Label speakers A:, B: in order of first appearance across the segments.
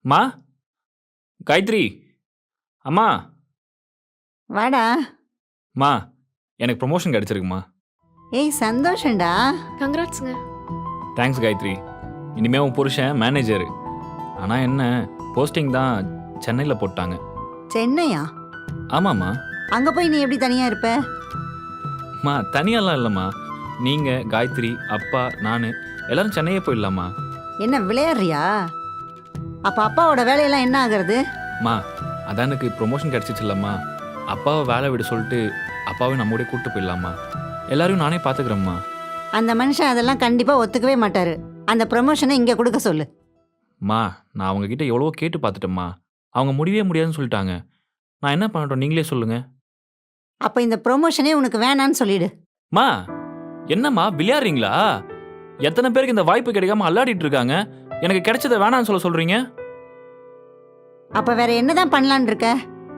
A: மா காயத்ரி அம்மா
B: வாடா.
A: மா எனக்கு ப்ரொமோஷன் கிடைச்சிருக்குமா.
B: ஏய் சந்தோஷம்டா.
C: கங்க்ராட்ஸுங்க.
A: தேங்க்ஸ் காயத்ரி. இனிமே உன் புருஷன் மேனேஜர். ஆனால் என்ன போஸ்டிங் தான் சென்னையில் போட்டாங்க.
B: சென்னையா?
A: ஆமாம்மா.
B: அங்க போய் நீ எப்படி தனியா இருப்ப?
A: மா தனியாலாம் இல்லைம்மா. நீங்கள் காயத்ரி அப்பா நான் எல்லாரும் சென்னையே போயிடலாமா.
B: என்ன விளையாடுறியா? அப்ப அப்பாவோட வேலையெல்லாம் என்ன ஆகுறது?
A: மா அதான் எனக்கு ப்ரொமோஷன் கிடச்சிச்சில்லம்மா. அப்பாவை வேலை விட சொல்லிட்டு அப்பாவை நம்மோட கூப்பிட்டு போயிடலாமா. எல்லாரையும் நானே பார்த்துக்கிறேம்மா.
B: அந்த மனுஷன் அதெல்லாம் கண்டிப்பா ஒத்துக்கவே மாட்டாரு. அந்த ப்ரமோஷனை இங்க கொடுக்க சொல்லு.
A: மா நான் அவங்கக்கிட்ட எவ்வளவோ கேட்டு பார்த்துட்டேம்மா. அவங்க முடியவே முடியாதுன்னு சொல்லிட்டாங்க. நான் என்ன பண்ணட்டும் நீங்களே சொல்லுங்கள்.
B: அப்ப இந்த ப்ரொமோஷனே உனக்கு வேணான்னு சொல்லிடு.
A: மா என்னம்மா விளையாடுறீங்களா? எத்தனை பேருக்கு இந்த வாய்ப்பு கிடைக்காம அல்லாடிட்டு இருக்காங்க. எனக்கு கிடைச்சதை வேணான்னு சொல்றீங்க.
B: அப்ப வேற என்னதான் பண்ணலான் இருக்க?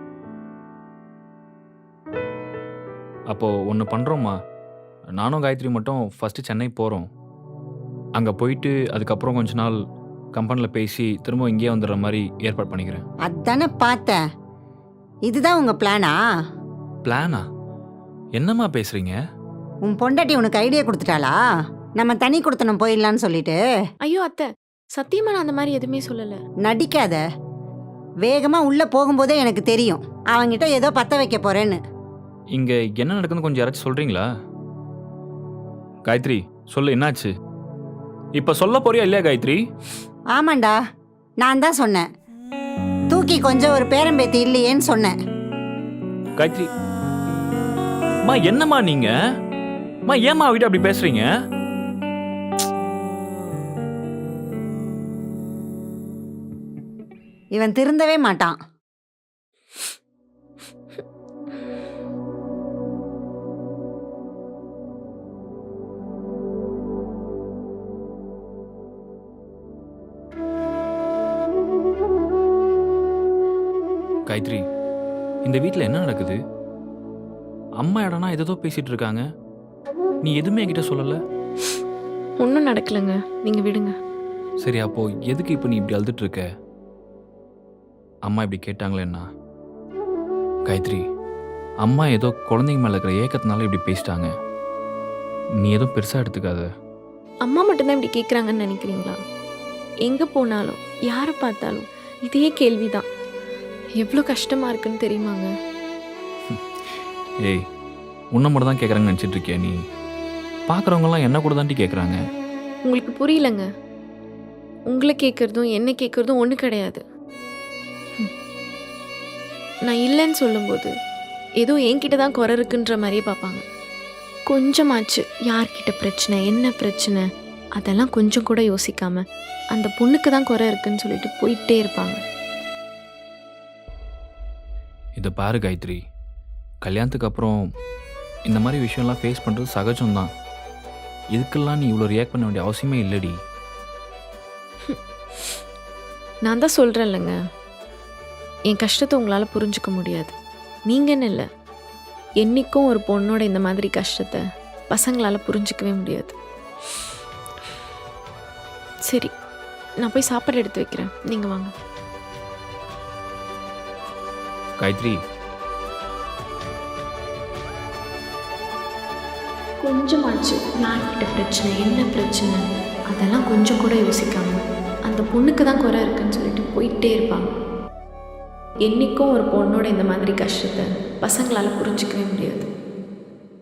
A: அப்போ ஒன்று பண்ணுறோம்மா. நானும் காயத்ரி மட்டும் ஃபஸ்ட்டு சென்னை போகிறோம். அங்கே போயிட்டு அதுக்கப்புறம் கொஞ்ச நாள் கம்பெனியில் பேசி திரும்ப இங்கேயே வந்துடுற மாதிரி ஏற்பாடு பண்ணிக்கிறேன்.
B: அதானே பார்த்தேன். இதுதான் உங்க பிளானா?
A: பிளானா? என்னம்மா பேசுகிறீங்க?
B: உன் பொண்டாட்டி உனக்கு ஐடியா கொடுத்துட்டாளா? நம்ம தனி கொடுத்தனம் போயிடலான்னு சொல்லிட்டு.
C: ஐயோ அத்தை, சத்தியமா நான் அந்த மாதிரி எதுவுமே சொல்லல.
B: நடிக்காத. வேகமா உள்ள போகும்போதே எனக்கு தெரியும் அவங்கிட்ட ஏதோ பத்த வைக்க போறேன்னு.
A: இங்கே என்ன நடக்குதுன்னு கொஞ்சம் யாராச்சும் சொல்கிறீங்களா? காயத்ரி சொல்லு, என்னாச்சு? இப்போ சொல்ல போறியா இல்லையா காயத்ரி?
B: ஆமாண்டா, நான் தான் சொன்னேன். தூக்கி கொஞ்சம் ஒரு பேரம்பேத்தி இல்லையேன்னு சொன்னேன்.
A: காயத்ரி மா என்னம்மா நீங்க? மா ஏம்மா அவகிட்ட அப்படி பேசுறீங்க?
B: இவன் திருந்தவே மாட்டான்.
A: காயத்ரி இந்த வீட்டில் என்ன நடக்குது? அம்மா இடம்னா ஏதோ பேசிட்டு இருக்காங்க. நீ எதுவுமே என்கிட்ட சொல்லல.
C: ஒன்றும் நடக்கலைங்க, நீங்க விடுங்க.
A: சரி அப்போ எதுக்கு இப்போ நீ இப்படி அழுதுட்டு இருக்க? அம்மா இப்படி கேட்டாங்களேன்னா? காயத்ரி அம்மா ஏதோ குழந்தைங்க மேலே இருக்கிற ஏக்கத்தினால இப்படி பேசிட்டாங்க. நீ ஏதோ பெருசாக எடுத்துக்காத.
C: அம்மா மட்டும்தான் இப்படி கேட்குறாங்கன்னு நினைக்கிறீங்களா? எங்கே போனாலும் யாரை பார்த்தாலும் இதே கேள்விதான். எவ்வளோ கஷ்டமா இருக்குன்னு தெரியுமாங்க?
A: ஏய் உன்னை மட்டும் தான் கேட்குறாங்கன்னு நினச்சிட்டு இருக்கியா நீ? பார்க்குறவங்கலாம் என்ன கூட தாண்டி கேட்குறாங்க.
C: உங்களுக்கு புரியலங்க. உங்களை கேட்குறதும் என்ன கேட்குறதும் ஒன்று கிடையாது. நான் இல்லைன்னு சொல்லும்போது ஏதோ என்கிட்ட தான் குறை இருக்குன்ற மாதிரியே பார்ப்பாங்க. கொஞ்சமாச்சு யார்கிட்ட பிரச்சனை என்ன பிரச்சனை அதெல்லாம் கொஞ்சம் கூட யோசிக்காம அந்த பொண்ணுக்கு தான் குறை இருக்குன்னு சொல்லிட்டு போயிட்டே இருப்பாங்க.
A: இதை பாரு காயத்ரி, கல்யாணத்துக்கு அப்புறம் இந்த மாதிரி விஷயம்லாம் ஃபேஸ் பண்ணுறது சகஜம்தான். இதுக்கெல்லாம் நீ இவ்வளோ ரியாக்ட் பண்ண வேண்டிய அவசியமே இல்லடி.
C: நான் தான் சொல்கிறேன் இல்லைங்க, என் கஷ்டத்தை உங்களால் புரிஞ்சுக்க முடியாது. நீங்கன்னு இல்லை, என்றைக்கும் ஒரு பொண்ணோட இந்த மாதிரி கஷ்டத்தை பசங்களால் புரிஞ்சிக்கவே முடியாது. சரி, நான் போய் சாப்பாடு எடுத்து வைக்கிறேன், நீங்கள் வாங்க.
A: காயத்ரி
C: கொஞ்சமாச்சு யார்கிட்ட பிரச்சனை என்ன பிரச்சனை அதெல்லாம் கொஞ்சம் கூட யோசிக்காம அந்த பொண்ணுக்கு தான் குறை இருக்குன்னு சொல்லிட்டு போயிட்டே இருப்பாங்க. என்றைக்கும் ஒரு பொண்ணோட இந்த மாதிரி கஷ்டத்தை பசங்களால் புரிஞ்சிக்கவே முடியாது.